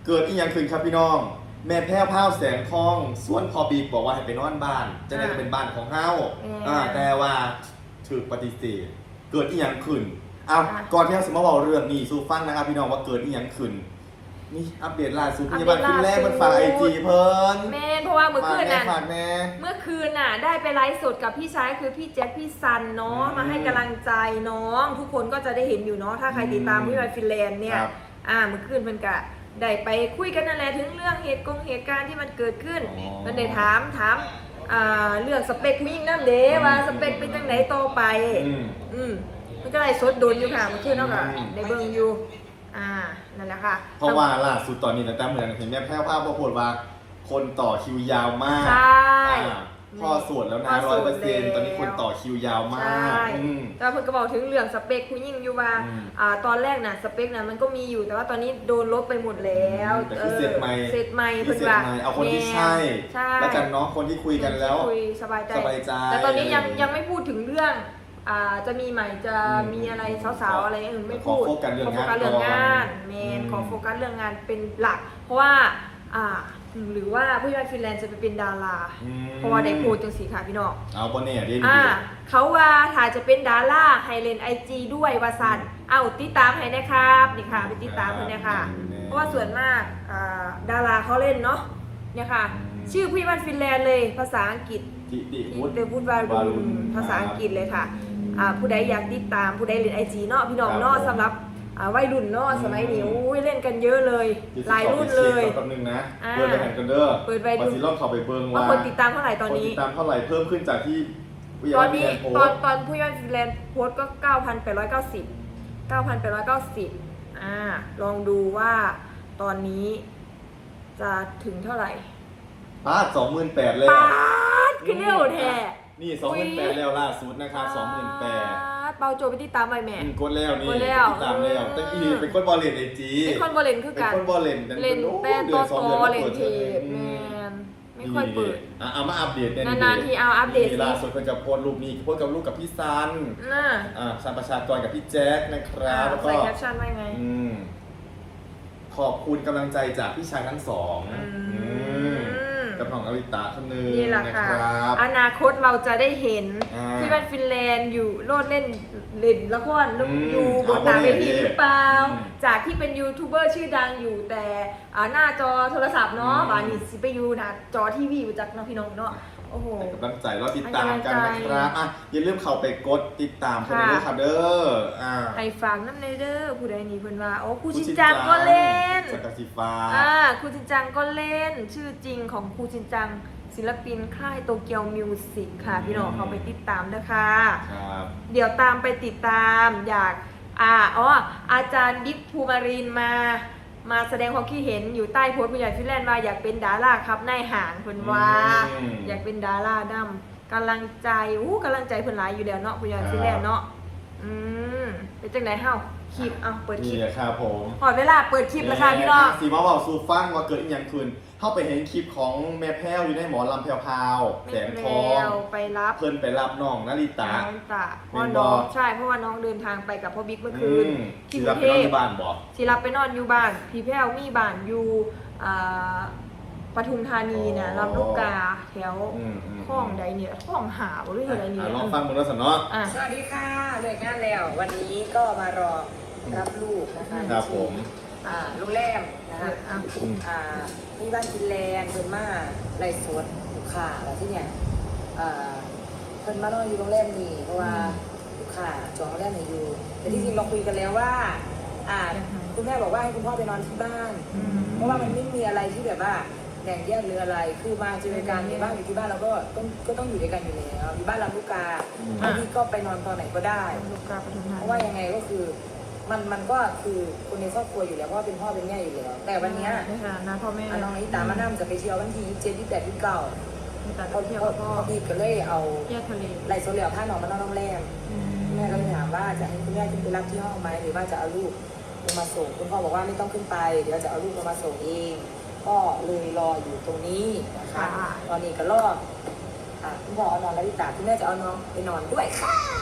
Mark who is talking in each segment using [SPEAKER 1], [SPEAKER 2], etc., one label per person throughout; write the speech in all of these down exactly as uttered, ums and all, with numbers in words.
[SPEAKER 1] เกิดอีหยังขึ้นครับพี่น้องแม่แพ้วพ้าวแสงทองส่วนพอบีบอกว่าให้ไปนอนบ้าน จะได้เป็นบ้านของเฮาอ่าแต่ว่าถูกปฏิเสธเกิดอีหยังขึ้นเอาก่อนที่เราจะมาบอกเรื่องนี้สู่ฟังนะครับพี่น้องว่าเกิดอีหยังขึ้นนี่อัปเดตล่าสุดพยาบาลขึ้นแรกมันฝากไอจีเพิ่น
[SPEAKER 2] แม่เพราะว่าเมื่อคืนน่ะ
[SPEAKER 1] ฝากแน่
[SPEAKER 2] เมื่อคืนน่ะได้ไปไลฟ์สดกับพี่ชายคือพี่แจ็คพี่ซันเนาะมาให้กำลังใจน้องทุกคนก็จะได้เห็นอยู่เนาะถ้าใครติดตามพี่ไวฟินแลนด์เนี่ยอ่าเมื่อคืนเพิ่นกะได้ไปคุยกันนั่นแหละถึงเรื่องเหตุกงเหตุการณ์ที่มันเกิดขึ้นมันได้ถามถามอ่าเรื่องสเปคผู้หญิงนั่นเด้ว่าสเปคเป็นจังไหนต่อไปอืมมันก็ไลฟ์สดโดนอยู่ค่ะเมื่อคืนเนาะก็ได้เบิ่งอยู่อ่านั่นแหละค่ะ
[SPEAKER 1] เพราะว่าล่าสุดตอนนี้ตั้งแต่เหมือนเห็นแม่แพ้วภาพปรากฏว่าคนต่อคิวยาวมาก
[SPEAKER 2] ใช่
[SPEAKER 1] พ่อสวดแล้วนะร้อยเปอร์เซ็นต์ตอนนี้คนต่อคิวยาวมาก
[SPEAKER 2] แต่เพิ่นก็บอกถึงเรื่องสเปคผู้หญิงอยู่ว่าอ่าตอนแรกน่ะสเปคน่ะมันก็มีอยู่แต่ว่าตอนนี้โดนลบไปหมดแล้ว
[SPEAKER 1] แต่คือเสร็จใหม่
[SPEAKER 2] เสร็จใหม่
[SPEAKER 1] เพิ่นว่าเอาคนที่ใช่แล้วกันเนาะคนที่คุยกันแล้ว
[SPEAKER 2] คุยสบายใจ
[SPEAKER 1] สบายใจ
[SPEAKER 2] แต่ตอนนี้ยังยังไม่พูดถึงเรื่องอ่าจะมีใหม่จะมีอะไรสาวๆอะไรอย่างอื่นไม่พูด
[SPEAKER 1] ขอโฟกัสเรื่องงาน
[SPEAKER 2] เรื่องงานเมนขอโฟกัสเรื่องงานเป็นหลักเพราะว่าอ่าหรือว่าผู้ยอดฟินแลนด์จะไปเป็นดาราเพราะว่าได้พูดจังสีค่ะพี่น้อง
[SPEAKER 1] เอาบนเนี่ยดี
[SPEAKER 2] อ่าเขาว่าถ้าจะเป็นดาราให้เล่นไอจีด้วยวาซันเอาติดตามให้นะครับนี่ค่ะไปติดตามเพื่อนเนี่ยค่ะเพราะว่าส่วนมากอ่าดาราเขาเล่นเนาะเนี่ยค่ะชื่อผู้ยอดฟินแลนด์เลยภาษาอังกฤษ
[SPEAKER 1] ติติวุฒิ
[SPEAKER 2] เดวุฒิวารุณภาษาอังกฤษเลยค่ะอ่าผู้ใดอยากติดตามผู้ใดเล่นไอจีเนาะพี่น้องเนาะสำหรับวัยรุ่นเนาะสมัยนี้อุ้ยเล่นกันเยอะเลยหลายรุ่นเลย
[SPEAKER 1] แป๊บนึงนะเปิดไปแข่งกันเด้อ
[SPEAKER 2] เปิดไป
[SPEAKER 1] ดูสิรอบเขาไปเบิ้งว่า
[SPEAKER 2] คนติดตามเท่าไหร่ตอนนี้
[SPEAKER 1] ติดตามเท่าไหร่เพิ่มขึ้นจากที่
[SPEAKER 2] ตอนนี้ตอนตอนผู้ยอดฟินแลนด์โพสก็ เก้าพันแปดร้อยเก้าสิบ เก้าพันแปดร้อยเก้าสิบอ่าลองดูว่าตอนนี้จะถึงเท่าไหร่
[SPEAKER 1] ปาด สองหมื่นแปดพัน เลย
[SPEAKER 2] ปาดขึ้นเร็วแท้
[SPEAKER 1] นี่ สองหมื่นแปดพัน แล้วล่าสุดนะครับ สองหมื่นแปดพัน
[SPEAKER 2] เปาโจไปติดตามไปแม่
[SPEAKER 1] กดแล้วนี่ติดตามแล้วตั้งอีเป็นคนบอลเลนไอจี
[SPEAKER 2] เป็นคนบอลเลนคือกัน
[SPEAKER 1] เป็นคนบอลเลน
[SPEAKER 2] เล่นแป้นตัวโตเล่นเทปแมนไม่ค่อยเปิด
[SPEAKER 1] เอามาอัปเดต
[SPEAKER 2] นานๆทีเอาอัปเดต
[SPEAKER 1] ล่าสุดคนกับโพสรูปนี้โพสกับลูกกับพี่ซันอ่าซันประชากรกับพี่แจ๊คนะครับแล้วก็
[SPEAKER 2] ใส่แคปชั่นไว้ไง
[SPEAKER 1] ขอบคุณกำลังใจจากพี่ชายทั้งสองกับน้องอลิตาคนนึง
[SPEAKER 2] นี่แหละค่ะอนาคตเราจะได้เห็นที่บ้านฟินแลนด์อยู่โลดเล่นเล่นละครอยู่บนหน้าเวทีหรือเปล่าจากที่เป็นยูทูบเบอร์ชื่อดังอยู่แต่หน้าจอโทรศัพท์เนาะบานี่สิไปอยู่หน้าจอทีวีอยู่จากน้องพี่น้องเนาะโอ้โห
[SPEAKER 1] กำลังใจเราติดตามกันนะครับอ่ะอย่าลืมเข้าไปกดติดตามกันด้วยค่ะเด้ออ่า
[SPEAKER 2] ให้ฟังน้ำในเด้อผู้ใดนี่เพิ่นว่าโอ้ครูชินจังก็เล่น
[SPEAKER 1] สกัดสีฟ้า
[SPEAKER 2] อ่าครูชินจังก็เล่นชื่อจริงของครูชินจังศิลปินค่ายโตเกียวมิวสิกค่ะพี่น้องเขาไปติดตามนะคะ
[SPEAKER 1] ครับ
[SPEAKER 2] เดี๋ยวตามไปติดตามอยากอ่าอ๋ออาจารย์บิ๊กภูมารินมามาแสดงความคิดเห็นอยู่ใต้โพสต์ผู้ใหญ่ฟินแลนด์ว่าอยากเป็นดาราครับนายหางเพิ่นว่าอยากเป็นดาราดำกำลังใจอู้กำลังใจเพิ่นหลายอยู่แล้วเนาะผู้ใหญ่ฟินแลนด์เนาะอืมเป็นจังไดเฮาคลิปเอาเปิดคลิป
[SPEAKER 1] นี่ครับผม
[SPEAKER 2] พอเวลาเปิดคลิปแล้วค่ะพี่น้อง
[SPEAKER 1] สีมาเบาสู่ฟังว่าเกิดอีหยังขึ้นเข้าไปเห็นคลิปของแม่แพ้วอยู่ในหมอลำแพรวๆแสงทอง
[SPEAKER 2] ไปรับ
[SPEAKER 1] เพิ่นไปรับน้องนาริตา
[SPEAKER 2] นาริตาเพราะน้องใช่เพราะว่าน้องเดินทางไปกับพ่อบิ๊กเมื่อคืน
[SPEAKER 1] ที่กรุงเทพที่บ้านบอก
[SPEAKER 2] ที่รับไปนอนอยู่บ้านพี่แพ้วมีบ้านอยู่ปทุมธานีเนี่ยลำลูกกาแถวคลองใดเนี่ยคลองหาวหรืออะไรเนี่ย
[SPEAKER 1] ลองฟังมึงแล้วสิเนาะ
[SPEAKER 3] สวัสดีค่ะเลิกงานแล้ววันนี้ก็มารอรับลูกนะคะ
[SPEAKER 1] ครับผม
[SPEAKER 3] โรงแรมนะคะที่บ้านฟินแลนด์เพิ่นมาไล่สวนลูกค้าอะไรที่เนี่ยเพิ่นมานอนอยู่โรงแรมนี้เพราะว่าลูกค้าจองโรงแรมนี้อยู่แต่ที่จริงเราคุยกันแล้วว่าคุณแม่บอกว่าให้คุณพ่อไปนอนที่บ้านเพราะว่ามันไม่มีอะไรที่แบบว่าแบ่งแยกหรืออะไรคือมาเจอกันในบ้านอยู่ที่บ้านเราก็ต้องก็ต้องอยู่ด้วยกันอยู่แล้วอยู่บ้านลำลูกกาบางทีก็ไปนอนตอนไหนก็ได้เพราะว่ายังไงก็คือมันมันก็คือคนในครอบครัวอยู่แล้วเพราะว่าเป็นพ่อเป็นแม่อยู่แล้วแต่วันนี้
[SPEAKER 2] นะพ่อแม่
[SPEAKER 3] น้องนิตามานั่งจะไปเที่ยววันที่ยี่สิบเจ็ดยี่สิบแปดยี่สิบเก้า
[SPEAKER 2] เขาเที่ยวก็
[SPEAKER 3] ดีก็เลยเอา
[SPEAKER 2] ทะเล
[SPEAKER 3] ไหลโซเลียผ้าหนอนมานอนโรงแรมแม่ก็เลยถามว่าจะให้คุณแม่ขึ้นไปรับที่ห้องไหมหรือว่าจะเอาลูกลงมาส่งคุณพ่อบอกว่าไม่ต้องขึ้นไปเดี๋ยวจะเอาลูกลงมาส่งเองก็เลยรออยู่ตรงนี้นะคะตอนนี้ก็รอคุณพ่อเอานอนแล้วนิตาคุณแม่จะเอาน้องไปนอนด้วยค่ะ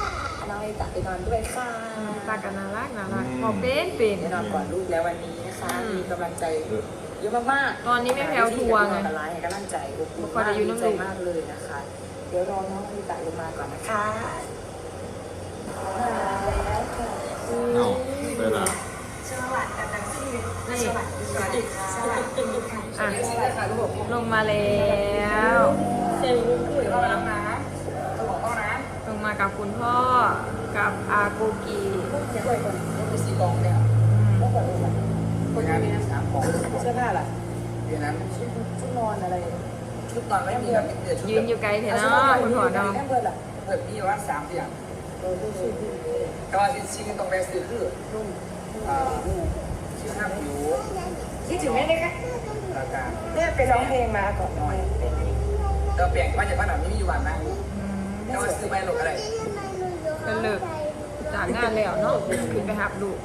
[SPEAKER 3] น้องไอตะไปนอนด้วยค่ะ
[SPEAKER 2] ตากันน่ารักน่ารักพอเป็นเป็น
[SPEAKER 3] ไปนอนก่อนลูกแล้ววันนี้นะคะ
[SPEAKER 2] อืม
[SPEAKER 3] มีกำลังใจเยอะมากๆ
[SPEAKER 2] ตอนนี้แม่แพรวทัวร์ไง
[SPEAKER 3] อะไรให้กำลังใจอบอุ่น
[SPEAKER 2] พอ
[SPEAKER 3] มาก
[SPEAKER 2] ได้อยู่
[SPEAKER 3] ดี
[SPEAKER 2] น้ำ
[SPEAKER 3] ใจ
[SPEAKER 2] ลูก
[SPEAKER 3] มากเลยนะคะ เดี๋ยวรอน้องไอตะลงมาก่อนนะคะมาแล้วค่ะ
[SPEAKER 1] เอาเวลา
[SPEAKER 3] สวัสดีค่ะ
[SPEAKER 2] นี่
[SPEAKER 3] สวัสดีค่ะสวัสดีค่ะ
[SPEAKER 2] อ่ะ
[SPEAKER 3] สวัสดีค่ะลูก
[SPEAKER 2] ลงมาแล้ว
[SPEAKER 3] เซลล์ลูกคุยเข้าแล้วนะต้องบอกเข้านะ
[SPEAKER 2] ลงมากับคุณพ่อกับอาโกกี
[SPEAKER 3] เดี๋ยวก่อนต้องไปสีกองเนี่ยต้องก่อนเลยคนงานมีน้ำสามของเสื้อผ้าล่ะเดี๋ยวนั้นชุดชุดนอนอะไรชุดนอนไม่มีแบบเดี๋ยวชุด
[SPEAKER 2] ยืนอยู่ไกลเถอะเนาะคุณพ่อเนาะ
[SPEAKER 3] แม่เบิร์ดล่ะเบิร์ดมีว่าสามอย่างก็ว่าชิ้นตรงแรกซื้อคืออ่าชื่อห้าผิวคิดถึงแม่เลยค่ะราคาเนี่ยไปร้องเพลงมาก่อนหน่อยเราเปลี่ยนว่าจะว่าหนังไม่มีวันนะเราซื้อไปหลงอะไร
[SPEAKER 2] ก็เลิกจากงานแล้วเนาะขึ้นไปหับลูก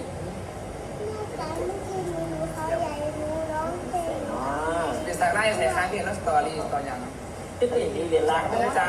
[SPEAKER 3] เป็นสายไล่ใส่ค้างเรียนแล้วสตอรี่ตอนยังที่ตัวอย่างนี้เรียนล่างไม่ได้จ้า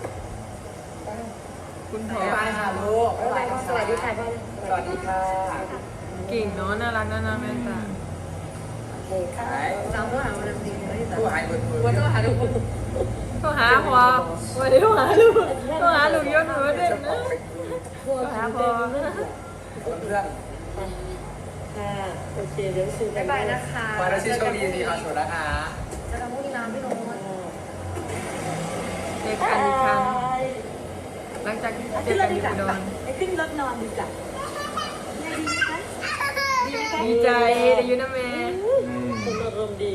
[SPEAKER 2] คุณพ่อ
[SPEAKER 3] บ๊ายบายค่ะลูกบ๊ายบายค่ะสวัสดีค่ะสวัสดีค่ะ
[SPEAKER 2] เก่งเนาะน่ารักน่ารักแม่ตา
[SPEAKER 3] โอเคค่ะเราต้องหาวันดีไม่ได้ผู้หายเบิดเบิด
[SPEAKER 2] ว่าต้องหาลูกต้องหาพ่อวันนี้ต้องหาลูกต้องหาลูกยศหนูเด่นนะต้องหาพ่อ
[SPEAKER 3] เพื่อน
[SPEAKER 4] ค่ะโอเคเดี๋ยวซื้อกั
[SPEAKER 2] บ๊าน ยบายนะคะ
[SPEAKER 3] มาแล้วชื่อโชคดีดีค่ะสวัสดีนะคะ
[SPEAKER 4] จะทำมุ้งน้ำพี่น้อง
[SPEAKER 2] เจอกันอีกครั้งหลังจากเจ
[SPEAKER 4] ขึ้
[SPEAKER 2] อน
[SPEAKER 4] ร
[SPEAKER 2] กั
[SPEAKER 4] ถ
[SPEAKER 2] นอ
[SPEAKER 4] ดี
[SPEAKER 2] ยู่
[SPEAKER 4] กว่า
[SPEAKER 2] อุดร
[SPEAKER 4] ไปขึ้นรถนอนดีกว่าดีไหมคะ
[SPEAKER 2] ดีใจได้อยูนะแม่
[SPEAKER 4] คุณอารมณ์ดี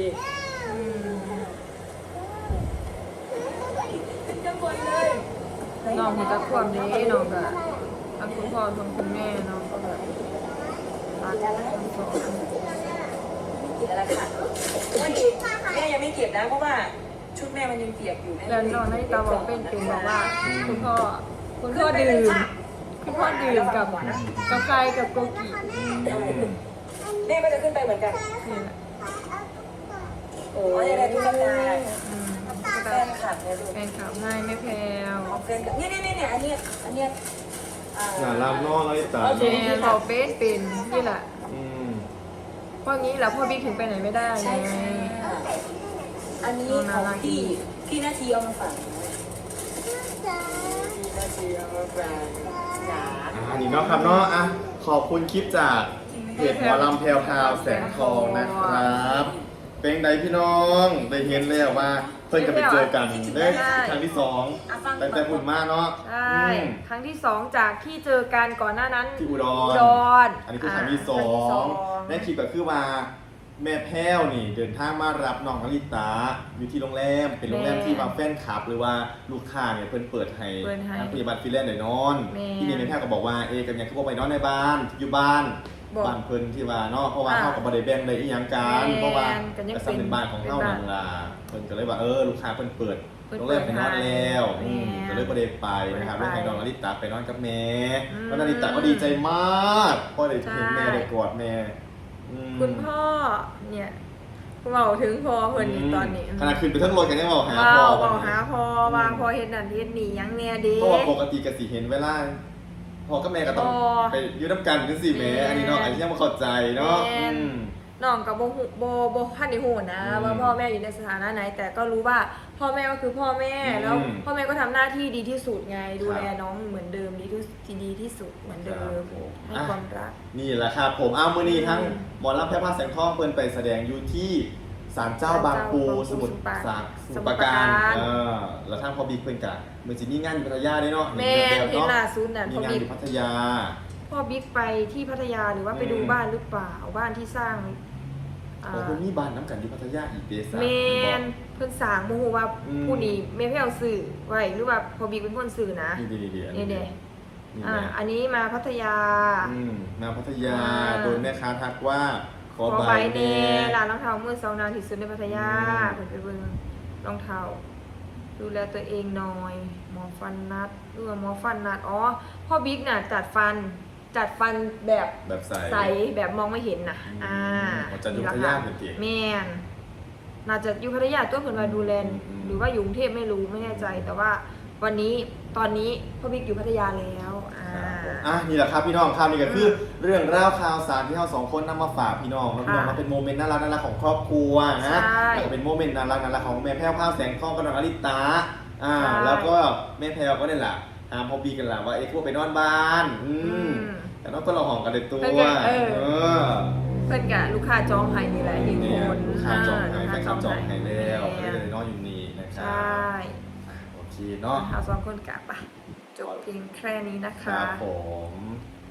[SPEAKER 4] ขึ้นข้างบนเลย
[SPEAKER 2] น้องมีตะควมนี้น้องก็ทั้งคุณพ่อทั้งคุณแม่น้องก็แบบรักทั้งสอง
[SPEAKER 3] กินอะไรค่ะแม่ยังไม่เก็บนะเพราะว่าชุดแม่มันยังเปียกอยู่
[SPEAKER 2] แล้วน้องนาฬิตาบอกเป็นเป็นบอกว่าคุณพ่อคุณพ่อดื่มคุณพ่อดื่มกับกาแฟกับโกกิ
[SPEAKER 3] แม่ก็จะขึ้นไปเหมือนกัน
[SPEAKER 2] นี่แหละ
[SPEAKER 3] โอ้ยอะไรทุกคนได้
[SPEAKER 2] อืม
[SPEAKER 3] แฟนคลับเนี่ยดู
[SPEAKER 2] แฟนคลับให้ไม่แพว
[SPEAKER 3] แฟนคลับเนี่ยเนี่ยเนี่ยอันเนี้ยอันเนี้ยอ่า
[SPEAKER 1] หน้าลำนอกแล้วตา
[SPEAKER 2] แม่เราเป็นเป็นนี่แหละ
[SPEAKER 1] อืม
[SPEAKER 2] เพราะงี้แหละพ่อบิ๊กถึงไปไหนไม่ได้ไง
[SPEAKER 3] ใช่ค่ะอันนี้ของพี่พี่นาทีเอามาฝากพี่นาทีเอามาฝากจ๋า
[SPEAKER 1] อันนี้เนาะครับเนาะอ่ะขอบคุณคลิปจากเพจหมอลำแพรวพราวแสงทองนะครับ เป็นไดพี่น้องได้เห็นแล้วว่าเพิ่นจะไปเจอกันได้ครั้งที่สองแต่แต่หุ่นมากเนาะ
[SPEAKER 2] ใช่
[SPEAKER 1] อืม
[SPEAKER 2] ครั้งที่สองจากที่เจอกันก่อนหน้านั้น
[SPEAKER 1] ที่อุด
[SPEAKER 2] อุ
[SPEAKER 1] ร
[SPEAKER 2] ดร
[SPEAKER 1] อันนี้คือครั้งที่สอ
[SPEAKER 2] ครั้ที่สอง
[SPEAKER 1] ในคลิปก็คือว่าแม่แพ้วนี่เดินทางมารับน้องนาริตาอยู่ที่โรงแรมเป็นโรงแรมที่บางแฟนคลับ หรือว่าลูกค้าเนี่ยเพิ่นเปิดให้ทางพยาบาลฟิลแลนด์ได้นอน ที่นี่แม่แพ้วก็บอกว่าเอกันยังคือว่าไปนอนในบ้านอยู่บ้าน
[SPEAKER 2] บอก
[SPEAKER 1] บ้านเพิ่นที่ว่าเนาะเพราะว่า
[SPEAKER 2] อ่า
[SPEAKER 1] เฮาก็บ่ได้แบ่งได้อีหยังกัน
[SPEAKER 2] แม่น
[SPEAKER 1] เพราะว่า
[SPEAKER 2] ก็ยัง
[SPEAKER 1] แต่ซัเป็นบ้านของเฮา
[SPEAKER 2] เป็น
[SPEAKER 1] นั่
[SPEAKER 2] บ้าน
[SPEAKER 1] นล่ะเพิ่นก็เลยว่าเออลูกค้าเพิ่นเปิด
[SPEAKER 2] เพิ่น
[SPEAKER 1] โรงแรมไปนอนแล้ว
[SPEAKER 2] เปิดให้
[SPEAKER 1] อืม
[SPEAKER 2] แม่
[SPEAKER 1] ก็เลยบ่ได้ไปนะครับ
[SPEAKER 2] บ่
[SPEAKER 1] เลย
[SPEAKER 2] ได้ไป
[SPEAKER 1] ให้น้องนาริตาไปนอนกับแม่
[SPEAKER 2] อืม
[SPEAKER 1] แล้วนาริตาก็ดีใจมากเพราะได้เห็นแม่
[SPEAKER 2] ใช่
[SPEAKER 1] ได้กอดแม่อืม
[SPEAKER 2] คุณพ่อเนี่ยเบาถึงพอเพิ่นนี่ตอนนี้
[SPEAKER 1] ขนาดขึ้นไปทั้งรถกันยังบอกหา
[SPEAKER 2] เบา
[SPEAKER 1] พ่อ
[SPEAKER 2] เบาหาพอว่าพอเห็นนั่นเห็นนี่ยังแน่เด้
[SPEAKER 1] เพราะว่าปกติก็สิเห็นเวลาพ่อกับแม่ก็ต้อง
[SPEAKER 2] อ๋อ
[SPEAKER 1] ไปอยู่น้ำกันจังซี่แหม่
[SPEAKER 2] แม่
[SPEAKER 1] อันนี้เนาะอันนี้ยังบ่เข้าใจเนาะ
[SPEAKER 2] แม่
[SPEAKER 1] อืม
[SPEAKER 2] น้องกับโบหูโบโบพันในหูนะ
[SPEAKER 1] อืม
[SPEAKER 2] ว่าพ่อแม่อยู่ในสถานะไหน แต่ก็รู้ว่าพ่อแม่ก็คือพ่อแม่
[SPEAKER 1] อืม
[SPEAKER 2] แล้วพ่อแม่ก็ทำหน้าที่ดีที่สุดไงดูแล
[SPEAKER 1] ครับ
[SPEAKER 2] น้องเหมือนเดิมดีที่ที่ดีที่สุดเหมือนเดิ
[SPEAKER 1] ครั
[SPEAKER 2] ม
[SPEAKER 1] บผม
[SPEAKER 2] ให้ความรัก
[SPEAKER 1] นี่แหละครับผมอ้าวมื้อนี้ทั้ง
[SPEAKER 2] อืม
[SPEAKER 1] หมอลำแพร่ผ้าแสงทองเพิ่นไปแสดงอยู่ที่ศาลเจ้าบางปู
[SPEAKER 2] ศาลเจ้าบางปู
[SPEAKER 1] สมุทร
[SPEAKER 2] สมุทรปรา
[SPEAKER 1] สาครส
[SPEAKER 2] ส
[SPEAKER 1] มุ
[SPEAKER 2] มุ
[SPEAKER 1] ท
[SPEAKER 2] ท
[SPEAKER 1] ร
[SPEAKER 2] ร
[SPEAKER 1] ป
[SPEAKER 2] ป
[SPEAKER 1] รา
[SPEAKER 2] รา
[SPEAKER 1] การ
[SPEAKER 2] การ
[SPEAKER 1] เออแล้วทางพอบิ๊กเพิ่นกะเหมือนสิมีงานอยู่พัทยาด้วยเนาะ
[SPEAKER 2] แม่
[SPEAKER 1] แบบ
[SPEAKER 2] เห็น
[SPEAKER 1] เนาะ
[SPEAKER 2] ล่าสุดน่ะ
[SPEAKER 1] มี
[SPEAKER 2] พ่อง
[SPEAKER 1] าน
[SPEAKER 2] บิ๊
[SPEAKER 1] อก ยู่พัทยา
[SPEAKER 2] พ่อบิ๊กไปที่พัทยาหรือว่าไป
[SPEAKER 1] อืม
[SPEAKER 2] ดูบ้านหรือเปล่าบ้านที่สร้างอ่า
[SPEAKER 1] โอ้เพิ่นมีบ้านน้ำกันอยู่พัทยาอีกเดซ่า
[SPEAKER 2] แม
[SPEAKER 1] เพิ่นบอก
[SPEAKER 2] นเพิ่นสร้างโมโหว่า
[SPEAKER 1] อืม
[SPEAKER 2] ผู้นี้แม่เพี่เอาสื่อไว้หรือว่าพ่อบิ๊กเป็นคนสื่อนะ
[SPEAKER 1] นี่ดีๆๆอัน
[SPEAKER 2] นี่
[SPEAKER 1] นี้
[SPEAKER 2] เด้
[SPEAKER 1] นี่
[SPEAKER 2] อ่า
[SPEAKER 1] แหละ
[SPEAKER 2] อันนี้มาพัทยา
[SPEAKER 1] อืมมาพัทยา
[SPEAKER 2] อ่า
[SPEAKER 1] โดนแม่ค้าทักว่าขอ
[SPEAKER 2] ขอ
[SPEAKER 1] ใบ
[SPEAKER 2] ใบ
[SPEAKER 1] แน่
[SPEAKER 2] เน่ร้านรองเท้ามือสองนานที่สุดในพัทยา
[SPEAKER 1] อืม
[SPEAKER 2] เพิ่นไปเบิ่งรองเท้าดูแลตัวเองหน่อย หมอฟันนัดหรือว่าหมอฟันนัดอ๋อพ่อบิ๊กน่ะจัดฟันจัดฟันแบบ
[SPEAKER 1] แบบใส
[SPEAKER 2] ใสแบบมองไม่เห็นน่ะ
[SPEAKER 1] อืม
[SPEAKER 2] อ่า
[SPEAKER 1] อ๋อจัดอยู่พัทยาเหมือนกัน
[SPEAKER 2] แม่นน่าจะอยู่พัทยาตัวเพิ่นว่าดูแล
[SPEAKER 1] อืมอืม
[SPEAKER 2] หรือว่าอยู่กรุงเทพไม่รู้ไม่แน่ใจ แต่ว่าวันนี้ตอนนี้พ่อบิ๊กอยู่พัทยาแล้วอ่า
[SPEAKER 1] อ่ะนี่แหละครับพี่น้องครับนี่ก็คือเรื่องราวข่าวสารที่เราสองคนนำมาฝากพี่น้องแล้วพี่น้อง
[SPEAKER 2] ค่ะ
[SPEAKER 1] มาเป็นโมเมนต์น่ารักน่ารักของครอบครัวนะ
[SPEAKER 2] ใช่
[SPEAKER 1] แล้วก็เป็นโมเมนต์น่ารักน่ารักของแม่แพ้วข้าวแสงทองกับน้องอลิตาอ่า
[SPEAKER 2] ใช่
[SPEAKER 1] แล้วก็แม่แพ้วก็เนี่ยแหละตามพอบีกันแหละว่าเอ็กซ์พวกไปนอนบ้านอืม
[SPEAKER 2] อืม
[SPEAKER 1] แต่น้องก็เราห่องกันเลยตัว
[SPEAKER 2] เพื่อนกันเออ
[SPEAKER 1] เออ
[SPEAKER 2] เพื่อนกับลูกค้าจองไห้นี่แหละยืน
[SPEAKER 1] เนี่ย
[SPEAKER 2] คน
[SPEAKER 1] ลูกค้าจองไห้
[SPEAKER 2] ลูก
[SPEAKER 1] แฟ
[SPEAKER 2] ค้าน
[SPEAKER 1] คลับจองไห้แล้ว
[SPEAKER 2] แม่
[SPEAKER 1] ก็เลยนอนอยู่นี่นะค
[SPEAKER 2] ใช
[SPEAKER 1] รับ่ อ่ะโอเคเนาะ
[SPEAKER 2] เราสองคนกลับไปจบเพียงแค่นี้นะ
[SPEAKER 1] ค
[SPEAKER 2] คะ
[SPEAKER 1] รับผม